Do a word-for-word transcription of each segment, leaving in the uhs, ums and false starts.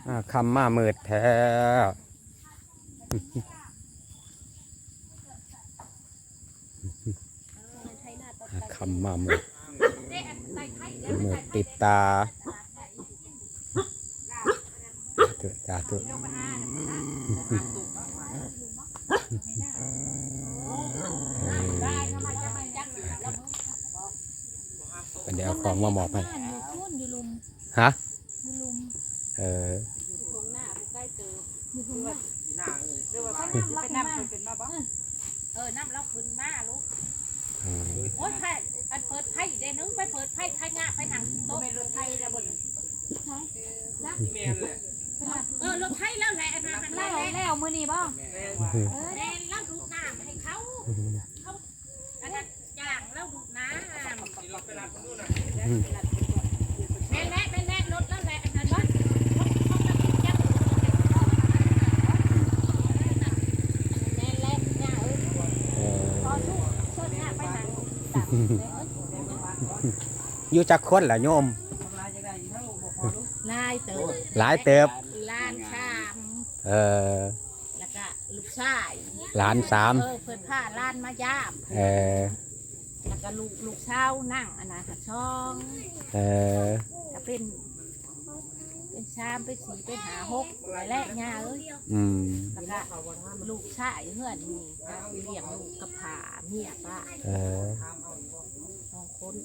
คำมาเมิดแท้คำมาเมิดเมิดติดตาเถอะจ้าเถอะเป็นเดี๋ยวของมาหมอบให้ฮะเออไปน้ำเป็นมาบ่เออน้ำเราขึ้นมาลูกโอ้ยไผ่อันเปิดไผ่เดี๋ยวนึงไปเปิดไผ่ไผ่งะไผ่หนังโต๊ะเป็นรถไผ่แล้วบนเออรถไผ่แล้วแหละอันนั้นแล้วแล้วมือนี่บ่เออแม่เราดูน้ำให้เขาเขาอันนั้นย่างเราดูน้ำแม่แหละแม่แหละรถแล้วแหละอันนั้นบ่อยู่จักคนล่ะโยมลายเติบหลายเติบล้านชามเออแล้วก็ลูกชายหลานสามเออเพิ่นผ้าล้านมายามเออแล้วก็ลูกลูกเช้านั่งอันนั้นค่ะช่องเออก็เป็นเป็นชามเป็นสีเป็นหาหกหลายแรกง่าเอ้ยอืมแล้วก็ลูกชายเฮือนมีเลี้ยงลูกกับผาเมียป้าเออสองคน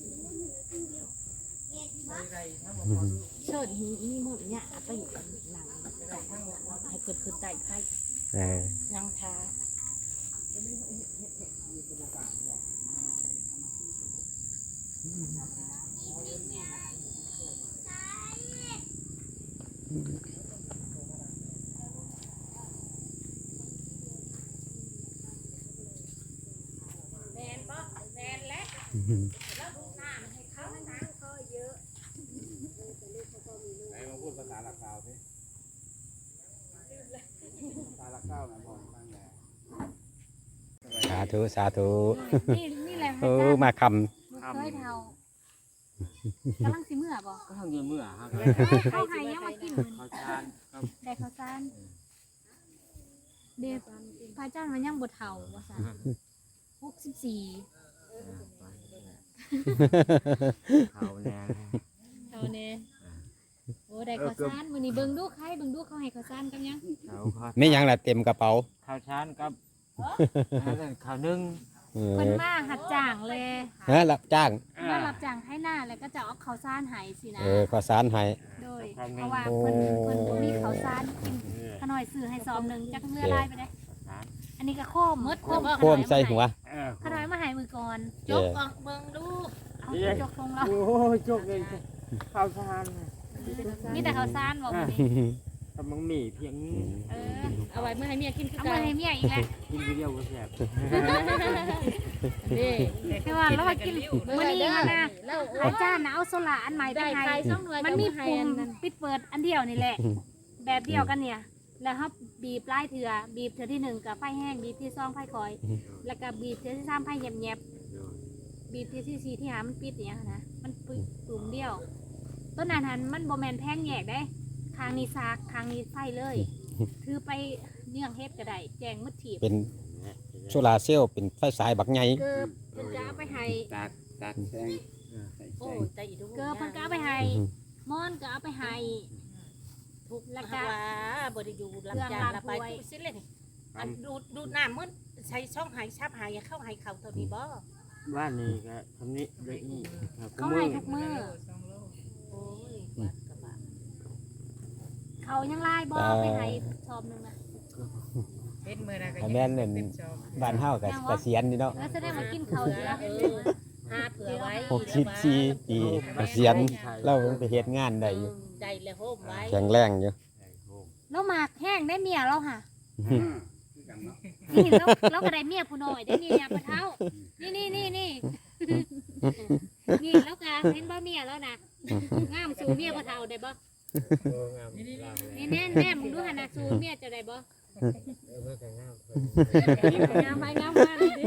เชิญฮีนี่หมดเนี่ยไปอยู่กับหนังให้เกิดขึ้นได้ไพ่ยังทาแมนบ่แมนและแล้วดูหน้าให้เขาหนังเขาเยอะไหนมาพูดภาษาหลักเก้าสิภาษาหลักเก้านะผมตั้งแต่สาธุสาธุนี่นี่แหละเออมาคำเคยเท่ากำลังสิเมื่อบ่ก็ทำเงินเมื่อครับเขาให้ยังมากินข้าวจานได้ข้าวจานเด็กพระเจ้ามันยังบดเท่าว่าซั่นหกสิบสี่เขาแน่เขาแน่โอ้ได้ข้าวจานมื้อนี้เบิ่งดูใครเบิ่งดูเขาให้ข้าวจานกันยังไม่ยังล่ะเต็มกระเป๋าข้าวจานกับข้าวนึ่งเพิ่นมาหัดจ้างเลยฮะรับจ้างมารับจ้างให้หน้าแล้วก็จะเอาข้าวสารให้สินะเออข้าวสารให้โดยเพราะว่าเพิ่นเพิ่นบ่มีข้าวสารกินขน้อยซื้อให้ซอมนึงจักเมื่อลายไปได้อันนี้ก็โคมมดโคมโคมใส่หัวขน้อยมาให้มือก่อนจกออกเบิ่งดูเอาจกลงแล้วโอ้ยจกเลยข้าวสารมีแต่ข้าวสารบ่มื้อนี้กำลังมีเพียงเออเอาไว้เมื่อให้เมียกินคือเอาไว้ให้เมียอีกแล้วกินเดียวก็แซ่บนี่คือว่าเรากินมื้อนี้นะอาจารย์น่ะเอาโซล่าอันใหม่ไปให้มันมีปุ่มปิดเปิดอันเดียวนี่แหละแบบเดียวกันเนี่ยแล้วครับบีบปลายเถื่อบีบเถื่อที่หนึ่งกับไฟแห้งบีบที่ซองไฟคอยแล้วก็บีบเถื่อที่สามไฟแยบๆบีบเถื่อที่สี่ที่หามันปิดเนี่ยนะมันปุ่มเดียวต้นนั้นหันมันโบแมนแพงแยกได้คางนี้ซากคางนี้ไฟเลยถือไปเนื่องเฮ็ดก็ได้แจงมัดถีบเป็นโซลาเซลล์เป็นไฟสายบักใหญ่เกิบเพิ่นจะเอาไปให้ตากตากแสงโอ้แต่อีกเกิบเพิ่นก็เอาไปให้มอนก็เอาไปให้ทุกแล้วก็บ่ได้อยู่ลำจานละไปสิเลยอันดูดูน้ำมันใช้ช่องหายชับหายเข้าหายเข่าเท่านี้บ่บ้านนี้ก็ทำนี้เด็กนี่เขาให้ทุกมื้อโอ้ยเขายังไล่บ่ไปให้ชอบนึงนะเป็นมื้อนะก็แม่นนั่นบ้านเฮาก็เกษียณนี่เนาะแล้วแสดงว่ากินข้าวเยอะหาเผื่อไว้หกสิบสี่ปีเกษียณเราไปเฮ็ดงานได้อยู่ใจแล้วโฮมไว้แข็งแรงอยู่เราหมากแห้งได้เมียเราค่ะนี่เราเราก็ได้เมียผู้น้อยได้นี่ปะเท้านี่นี่นี่นี่นี่แล้วก็เห็นบ่เมียแล้วนะงามสู่เมียปะเท้าได้บ่นี่แน่แน่มึงดูหันนะสู่เมียจะได้บ่งามไปงามมาเลย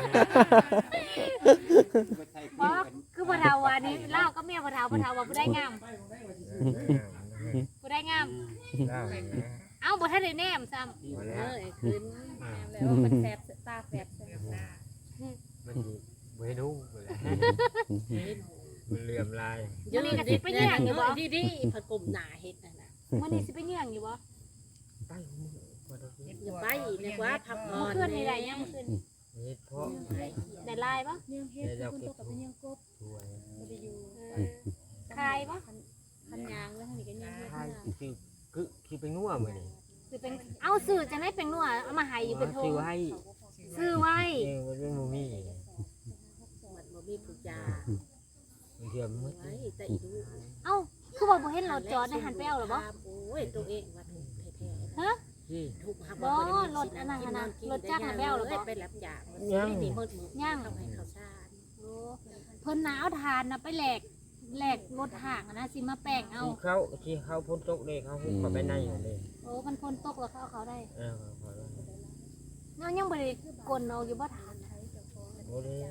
บ่คือปะเท้าวันนี้เล่าก็เมียปะเท้าปะเท้าว่าผู้ได้งามผู้ได้งามได้เอ้าบ่ทันได้แนมซ้ำมาเอแล้วอคืนแล้วมันแสบตาแสบมันบ่ให้ดูหมดแล้วมันเหลื่อมลายเยอะดิไปเนี่ยอยู่บ่ดีดีผัดกลมหนาเฮ็ดนั่นน่ะมื้อนี้สิไปเยี่ยงอยู่บ่ไปบ่ได้กินอย่าไปเนี่ยว่าพักผ่อเมื่อน คืนนี่ได้ยังเมื่อคืนเฮ็ดเพราะได้ลายบ่เนี่ยเฮ็ดคนตกกับเป็นยังกบช่วยบ่ได้อยู่เออคายบ่คันยางแล้วนี่ก็ยังเฮ็ดใช่นะคือคือคือไปงัวมื้อนี้สิเป็นเอ้าซื้อจังได๋เป็นนัวเอามาให้อยู่เป็นโทซื้อไว้ซื้อไว้เองมันเป็นบ่มีมันบ่มีผู้ยามันเทียมมืดไว้แต่อีดูเอ้าคือว่าบ่เห็นรถจอดในหันไปเอาหรอบ่โอ้ยตัวเองว่าถูกแท้ๆฮะที่ถูกหักบ่รถอันนั้นหั่นน่ะรถจักรน่ะไปเอาเหรอบ่ไปรับยามันนี่หมดมือย่างเอาให้ข้าวสารโอ้เพิ่นน่ะเอาทานน่ะไปแลกแลกรถห่างอะนะสิมาแป้งเอาที่เขาที่เขาพ้นตกเลยเขาหุบเข้าไปในอยู่เลยโอ้มันคนตกแล้วเขาเอาเขาได้เออขอแล้วเนาะยังบ่ได้กลเอาอยู่บ่ทานน่ะโอ้ย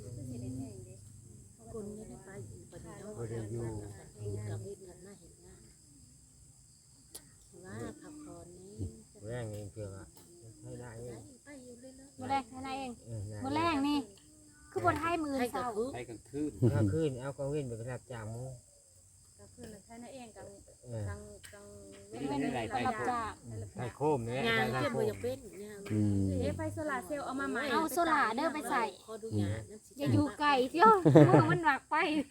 คนไม่ได้ไปอยู่ปฏิบ่ได้อยู่กับวิทย์กันมาเห็นงานว่าพักผ่อนนี้แรงเองเพื่อว่าให้ได้เองไปอยู่เรื่อยๆมื้อแรกให้นายเองเออได้มื้อแรกนี่ คือบ่ทายมื้อให้เช้ากับคือไปกลางคืนก็ขึ้นเอากองเว้นไปรับจ้างหมูก็คือใช้นั่นเองกังเออกังกังเป็นรับจ้างไข่โคมเนี่ยงานไข่เก็บโคบ่มอยากเป็นงานอืมเอ๊ะไฟโซลาร์เซลล์เอามาใหม่เอาโซล่าเด้อไปใส่ขอดูงานนั่นสิอย่าอยู่ไกลเที่ยวเมื่อมันหนักไป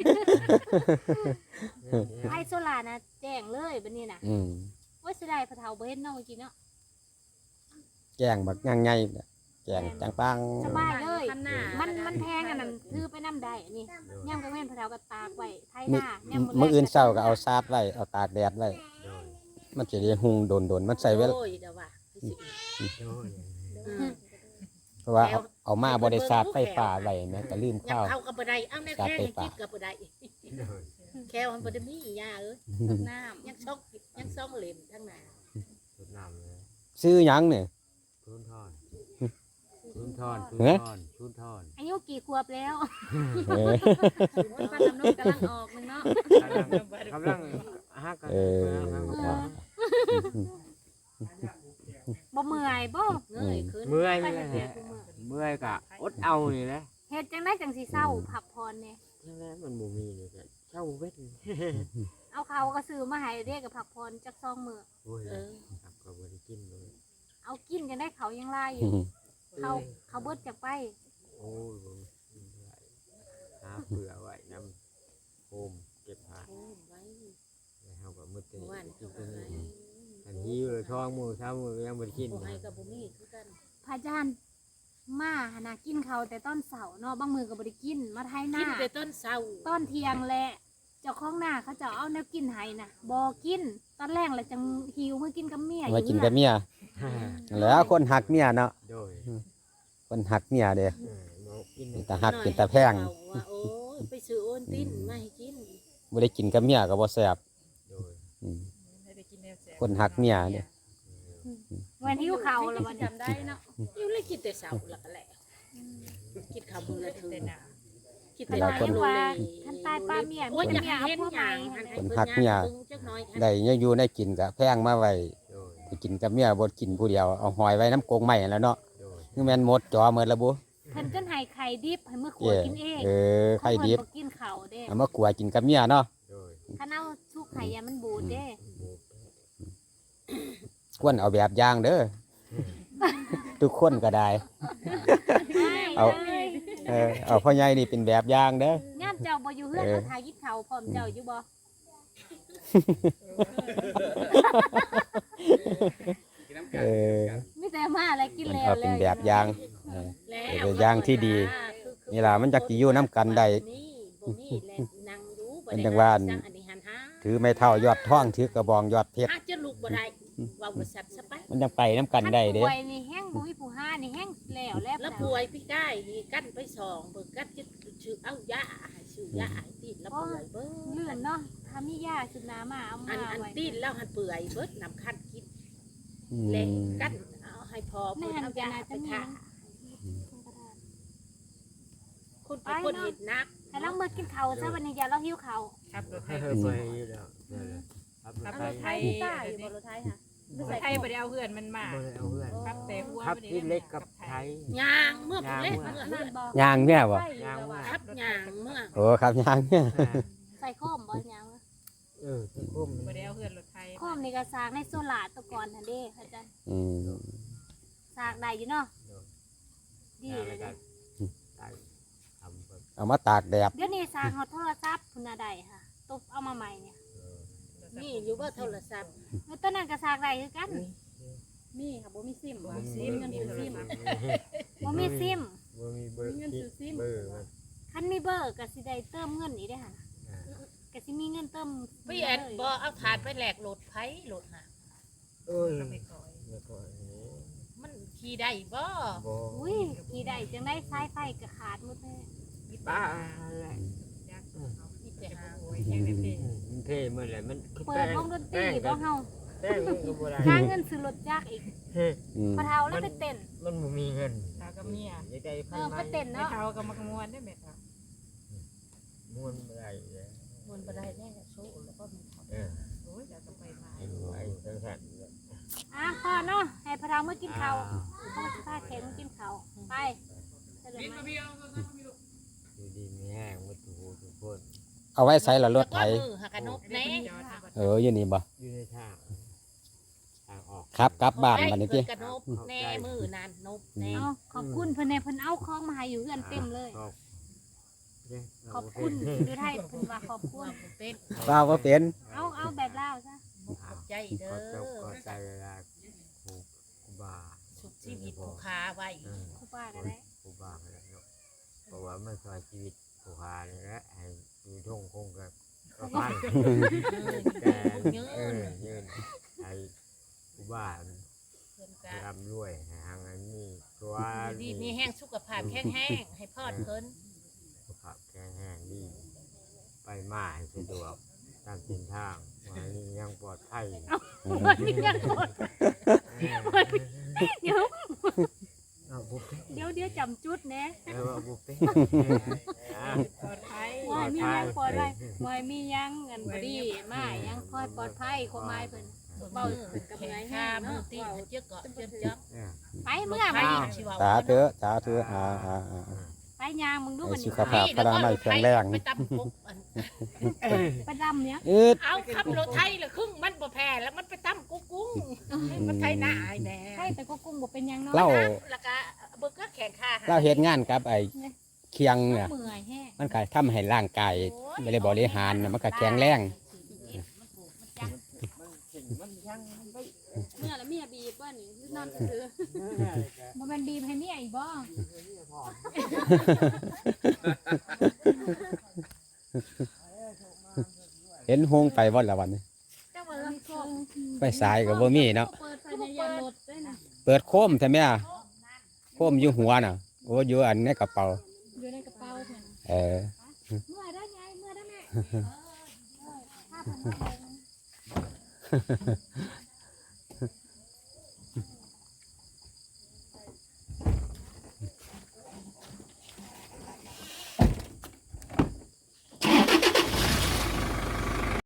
ไอ้โซล่านะแจ้งเลยบัดนี้น่ะอืมโอ้ยเสิได้พะเฒ่าบ่เห็นเนาะเมื่อกี้เนาะแกงบักย่างไงแกงจังปังสบายเลยคันหน้ามันมันแพงอันนั้นถือไปน้ำได้อันนี้ย่ำกระเว้นพะเฒ่าก็ตากไว้ไทยหมื้อน้าย่ำมื้ออื่นเช้าก็เอาซาดไว้เอาตากแดดไว้โดยมันจะได้หุงโดนๆมันใส่เวลาโอ้ยเดี๋ยวว่าสิโดยอืมเพราะว่าเอาเอามาบ่ได้ซาดไฟฟ้าไว้แม่ก็ลืมยัข้าวงเข้ากับบ่ได้เอาแน่แค่ยังคิดกับบ่ได้โดยแค่มันบ่ได้มียาเอ้ยกับน้ยังซอกยังซองเหลมทั้งนั้นสุดน้ำเลยซื้อหยังเนี่ยชุนทอนชุนทอนชุนเอ๊ะทอนชุนทอนอายุกี่ขวบแล้วเออำฟันน้ำนมกำลังออกหนึงเนาะกำลังฮักกันเออบ่เมื่อยบ่เงยขึ้นเมื่อยไปไม่เฮ็ดได้เวียกกูเมื่อยเมื่อยกะอดเอานี่แหละเฮ็ดจังได๋จังสิเศร้าพักผ่อนเนี่ยใช่ไหมมันบ่มีนี่ก็เช่าเวทเอาเขาก็ซื้อมาให้เรียกกับพักผ่อนจักซองมื้อโอ้ยเออครับก็บ่ได้กินเลยเอากินจังได้เขายังลายอยู่เขาเขาเบิดจากไปโอ้ยบ่กินเท่าไหร่หาเผื่อไว้น้ำโฮมเก็บผ้าโอ้ไว้แล้วเฮาก็มืดเมื่นี่อวานกิเขานก็ตัวให้นี้อันหิวเลยท้องมื้อเช้ามื้อยังบ่ได้กินบ่ให้กับบ่มีคือกันพระอาจารย์มาหนนากินเขาวแต่ต้นเสาเนาะบางมือก็บ่ได้กินมาไทยหกิน้านแต่ต้นเสาต้นเทียงแหละเจ้าของหน้าเขาจะเอาแนวกินให้น่ะบ่กินตอนแรกแหละจังหิวมากินกับเมียมากินกับเมียแล้วคนหักเมียเนาะโดยคนหักเมียเด้เออบ่กินเป็นตาหักเป็นตาแพงว่าโอ้ยไปซื้อโอนตินมาให้กินบ่ได้กินกับเมียก็บ่แซ่บโดยอืมให้ได้กินแนวแสบคนหักเมียเด้วันหิวเขาวแล้ววันนี้จำได้เนาะอยู่เลยกินแต่เสาแล้วก็แหละกินข้าวมื้อละถึงแต่หนาคิดขนาดที่ว่าท่านตายป้าเมียโอ้ยมีอยากเมียเอาเห็นพวกอใหม่ย่างหั่นให้น่ะคนหักเมียจักหน่อยได้ยังอยู่ได้กินก็แพงมาไว้โดยไปกินกับเมียบ่กินผู้เดียวเอาหอยไว้น้ำกรงใหม่แล้วเนาะโดยคือแม่นหมดจอหมดแล้วบุเพิ่นจนให้ไข่ดิบให้มื้อขวเอ้ดกินเองเออไข่ดิบเขาเพิ่นบ่กินข้าวเด้เอามากลัวกินกับเมียเนาะโดยคันเอาสุกไข่ยามันบูดเด้หมูควรเอาแบบอย่างเด้อทุกคนก็ได้ เอาเลยเออเอาพ่อใหญ่นี่เป็นแบบอย่างเด้อย่ามเจ้าบ่อยู่เฮือนเออเขาถ่ายกินข้าวพร้อมเจ้าอยู่บ่กินน้ำกัเอน อมีแต่มาอะไรกินแล้วเอาเป็นแบบอย่างเออ เป็นอย่างที่ดี นี่ล่ะมันจักสิอยู่นำกันได้ มันจังว่าอัน ถือไม้เท่ายอดท่องถือกระบองยอดเพชรอาจจะลูกบ่ได้ว่าบ่สัตว์ซะไปมันยังไปน้ำกันได้เด้ป่วยนี่แห้งบุ้ยผู้ห้านี่แห้งแล้วแล้วแล้วป่วยพี่ได้นี่กั้นไปสองเบิกกั้นจะชื่อเอายาให้ชื่อยาให้ตีนแล้วเปื่อยเบิดเลื่อนเนาะถ้ามียาสุนามาเอาอัมานอันไว้ตีนแล้วหันเปื่อยเบิดนำคันกินอืเละมกั้นเอาให้พอในเพิ่นหันเอาจะยาน่าไปจะมีทาคนเป็นคนเห็นนักให้เราเมื่อกินข้าวซะวันนี้อย่าเราหิวข้าวครับรถไฟเออไปอยู่แล้วนั่นแหละขับรถขับไทรยถไทยต้าอยู่บนรถไทยค่ะรถไทยบ่ได้เอาเพื่อนมันมาบ่ได้เอาเพื่อนขับแต่หัวขับบ่ได้ที่เล็กกับไทยยางเมื่อผมเล่นยางเมื่อเมื่อนั่นบอกยางเนี่ยบ่ยางว่าขับยางเมื่อโอ้ครับยางเนี่ยอ่าใส่ข้อมบ่ยังวะเออที่คุ้มบ่ได้เอาเพื่อนรถไทยข้อมนี่ก็สร้างในโซลาร์ตะกอนทันเด้อาจารย์อืมสร้างได้อยู่เนาะดียางเลแล้ยวก็นะได้ทำแบบเอามาตากแดดเดี๋ยวนี้สร้างฮอตโทรศัพท์พุ่นน่ะได้ค่ะตบเอามาใหม่เนี่ยเออนี่อยู่ว่าโทรศัพท์แล้วตัวนั้นก็สร้างได้คือกันมีค่ะบ่มีซิมบ่บ่ซิมเงินซื้อซิมบ่มีซิมบ่มีเบอร์มีเงินซื้อซิมเบอร์มันคันมีเบอร์ก็สิได้เติมเงินอีกได้อหั่นอ่าก็สิมีเงินเติมพี่แอนบ่เอาถาดไปแหลกโหลดไผโหลดหาเอ้ยก็ไม่ก่อยแล้วก็อันนี้มันขี่ได้บ่บ่อุ้ยกี่ได้จังได้สายไฟก็ขาดหมดเลยบ้าอะไรยักษ์มีแต่หาโอ้ยแข็งเต็มที่มันเท่เมื่อไหร่มันคือเปิดวงดนตรีบ่เฮาแป้งมันก็บ่ได้ค่าเงินซื้อรถจักรอีกเฮ้ยอืมพอเฒ่าแล้วไปเต้นมันบ่มีเงินตากับเมียอยากได้เอพันอไม้ไปเต้นไม่เนาะเท่ากับมักมวนได้แม่ค่ะม้วนบ่ได้เลยมันบ่ได้แน่โซ่แล้วก็มีเออโอ้ยเดี๋ยวก็ไปมาไอ้ไอ้จังซั่นเนี่ยอ่ะพ่อเนาะให้พอเฒ่ามื้อกินข้าวพ่อสิพาแขกมากินข้าวไปเสร็จแล้วไหมอยู่ดีมีแห้งหมดทุกผู้ทุกคนเอาไว้ใส่ละรถไถมือหักกระนกแน่เอออยู่นี่บ่อยู่ในทางทางออกครับกลับบ้านบัดนี้ติกระนกแน่มือนานนกแน่เอาขอบคุณเพิ่นแน่เพิ่นเอาของมาให้อยู่เฮือนเต็มเลยขอบเนี่ยขอบคุณอยู่ไทยเพิ่นว่าขอบคุณเป็นเปล่าบ่เป็นเอาเอาแบบลาวซะขอบใจเด้ขอบเจ้าขออบใจเวลาครูครูบาสุขชีวิตผู้ค้าไว้เออครูป้าก็ได้ครูบาเลยเนาะเพราะว่ามันซอยชีวิตผู้ค้านี่แหละให้อยู่ท่งคงกับกระพันแต่เออยืนให้ครูบาเพิ่นก็ร่ำรวยให้หางอันนี้ตัวดีมีแห้งสุขภาพแข็งแห้งให้พอดเพิ่นสุขภาพแข็งแรงดีไปมาให้สะดวกตามเส้นทางวันนี้ยังปลอดภัยวันนี้ยังกดเดี๋ยวเอาบุฟเฟ่เดี๋ยวเดี๋ยวจำจุดแหนะแล้วเอาบุฟเฟ่อ่ะปลอดภัยว่ามียังปลอดภัยว่ามียังเงินบ่ดีมายังคอยปลอดภัยความหมายเพิ่นเบากับไงห้ามือตีเจ้าเกาะเจ้าจับเนี่ยไปเมื่อไปมาชีวาสาธุสาธุอ่าอ่าอ่าไปยางมึงดูให้มันสุนี่ขภาพพลาไม่แข็งแรงไปตำกุ๊กไปดำเนี้ยอืดเอาขับรถไทยละครึ่งมันบ่แพ้แล้วมันไปตำกุ๊กกุ้งมันไทยหน้าไอ้แน่ใช่แต่ก็กุ้งบ่เป็นหยังเนาะเล่าแล้วก็เบิกก็แข่งข้าเล่าเฮ็ดงานกับไอ้เคียงเนี่ยเมื่อยแห้งมันก็ทำให้ร่างกายไม่ได้บริหารน่ะมันก็แข็งแรงเมื่อแล้วเมียบีบว่านี่นอนซื้อบ่แม่นบีบให้เมียอีกบ่เห็นหงไปบ่ละวันนี้เจ้าบ่ลำโพงไปสายก็บ่มีเนาะเปิดไฟในยานรถด้วยนะเปิดโคมใช่ไหมอ่ะโคมอยู่หัวน่ะโอ้อยู่อันในกระเป๋าอยู่ในกระเป๋าเพิ่นเออเมื่อยได้ไงเมื่อยได้แม่เออถ้าเพิ่นมาเบิ่ง